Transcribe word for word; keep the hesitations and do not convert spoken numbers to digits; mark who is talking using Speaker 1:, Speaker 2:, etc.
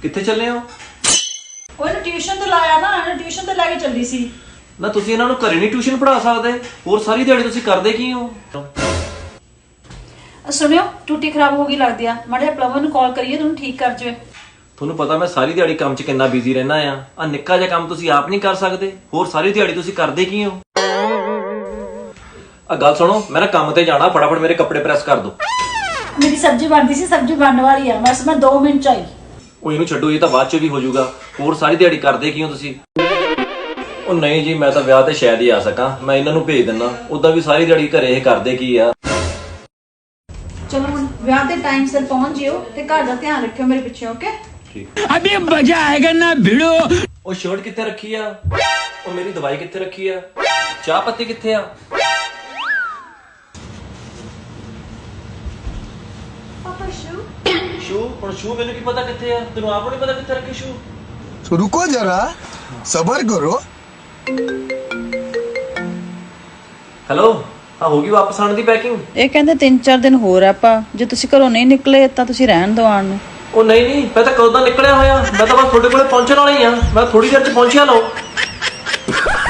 Speaker 1: ਕਿੱਥੇ ਚੱਲੇ ਹੋ?
Speaker 2: ਉਹ ਇਹਨੂੰ ਟਿਊਸ਼ਨ ਤੇ ਲਾਇਆ ਨਾ, ਇਹਨੂੰ ਟਿਊਸ਼ਨ ਤੇ ਲੈ ਕੇ ਚੱਲੀ ਸੀ।
Speaker 1: ਨਾ ਤੁਸੀਂ ਇਹਨਾਂ ਨੂੰ ਘਰੇ ਨਹੀਂ ਟਿਊਸ਼ਨ ਪੜ੍ਹਾ ਸਕਦੇ? ਹੋਰ ਸਾਰੀ ਦਿਹਾੜੀ ਤੁਸੀਂ ਕਰਦੇ ਕੀ ਹੋ?
Speaker 2: ਸੁਣਿਓ, ਟੂਟੀ ਖਰਾਬ ਹੋ ਗਈ ਲੱਗਦੀ ਆ, ਮਾੜੇ ਜਿਹਾ ਪਲੰਬਰ ਨੂੰ ਕਾਲ ਕਰੀਏ ਤੁਹਾਨੂੰ ਠੀਕ ਕਰ ਜਾਵੇ।
Speaker 1: ਤੁਹਾਨੂੰ ਪਤਾ ਮੈਂ ਸਾਰੀ ਦਿਹਾੜੀ ਕੰਮ 'ਚ ਕਿੰਨਾ ਬਿਜ਼ੀ ਰਹਿਣਾ ਆ ਆ ਨਿੱਕਾ ਜਿਹਾ ਕੰਮ ਤੁਸੀਂ ਆਪ ਨਹੀਂ ਕਰ ਸਕਦੇ, ਹੋਰ ਸਾਰੀ ਦਿਹਾੜੀ ਤੁਸੀਂ ਕਰਦੇ ਕੀ ਹੋ? ਆ ਗੱਲ ਸੁਣੋ, ਮੈਂ ਨਾ ਕੰਮ ਤੇ ਜਾਣਾ, ਫਟਾਫਟ ਮੇਰੇ ਕੱਪੜੇ ਪ੍ਰੈਸ ਕਰ ਦਿਓ।
Speaker 2: ਮੇਰੀ ਸਬਜ਼ੀ ਬਣਦੀ ਸੀ, ਸਬਜ਼ੀ ਬਣਨ ਵਾਲੀ ਆ, ਬਸ ਮੈਂ ਦੋ ਮਿੰਟ ਚ ਆਈ।
Speaker 1: ਉਹ ਇਹਨੂੰ ਛੱਡੋ, ਇਹ ਤਾਂ ਬਾਅਦ 'ਚ ਵੀ ਹੋ ਜਾਊਗਾ। ਹੋਰ ਸਾਰੀ ਦਿਹਾੜੀ ਕਰਦੇ ਕੀ ਹੋ ਤੁਸੀਂ? ਉਹ ਨਹੀਂ ਜੀ, ਮੈਂ ਤਾਂ ਵਿਆਹ ਤੇ ਸ਼ਾਇਦ ਹੀ ਆ ਸਕਾਂ, ਮੈਂ ਇਹਨਾਂ ਨੂੰ ਭੇਜ ਦਿੰਦਾ। ਉਦਾਂ ਵੀ ਸਾਰੀ ਦਿਹਾੜੀ ਘਰੇ ਇਹ ਕਰਦੇ ਕੀ ਆ।
Speaker 2: ਚਲੋ ਹੁਣ ਵਿਆਹ ਦੇ ਟਾਈਮ ਸਿਰ ਪਹੁੰਚ ਜਿਓ ਤੇ ਘਰ ਦਾ ਧਿਆਨ ਰੱਖਿਓ ਮੇਰੇ ਪਿੱਛੇ, ਓਕੇ?
Speaker 1: ਠੀਕ।
Speaker 3: अभी मजा आएगा ना भिड़ो।
Speaker 1: ਉਹ ਸ਼ਰਟ ਕਿੱਥੇ ਰੱਖੀ ਆ? ਉਹ ਮੇਰੀ ਦਵਾਈ ਕਿੱਥੇ ਰੱਖੀ ਆ? ਚਾਹ ਪੱਤੀ ਕਿੱਥੇ ਆ?
Speaker 2: ਪਾਪਾ ਸ਼ੂ
Speaker 1: ਸ਼ੂ? ਹੁਣ ਸ਼ੂ ਮੈਨੂੰ ਕੀ ਪਤਾ ਕਿੱਥੇ ਆ? ਤੈਨੂੰ ਆਪ ਨੂੰ ਨਹੀਂ ਪਤਾ ਕਿੱਥੇ ਰੱਖੇ ਸ਼ੂ?
Speaker 4: तो रुको जरा सबर करो।
Speaker 1: ਹੈਲੋ, ਹਾਂ ਹੋ ਗਈ ਵਾਪਸ ਆਉਣ ਦੀ ਪੈਕਿੰਗ?
Speaker 5: ਇਹ ਕਹਿੰਦੇ ਤਿੰਨ ਚਾਰ ਦਿਨ ਹੋਰ ਆਪਾਂ, ਜੇ ਤੁਸੀਂ ਘਰੋਂ ਨਹੀਂ ਨਿਕਲੇ ਤਾਂ ਤੁਸੀਂ ਰਹਿਣ ਦਿਓ ਆਉਣ ਨੂੰ।
Speaker 1: ਉਹ ਨਹੀਂ ਨਹੀਂ, ਮੈਂ ਤਾਂ ਕਦੋਂ ਦਾ ਨਿਕਲਿਆ ਹੋਇਆ, ਮੈਂ ਤਾਂ ਬਸ ਤੁਹਾਡੇ ਕੋਲੇ ਪਹੁੰਚਣ ਵਾਲਾ ਹੀ ਆ, ਮੈਂ ਥੋੜੀ ਦੇਰ 'ਚ ਪਹੁੰਚਿਆ ਲਓ।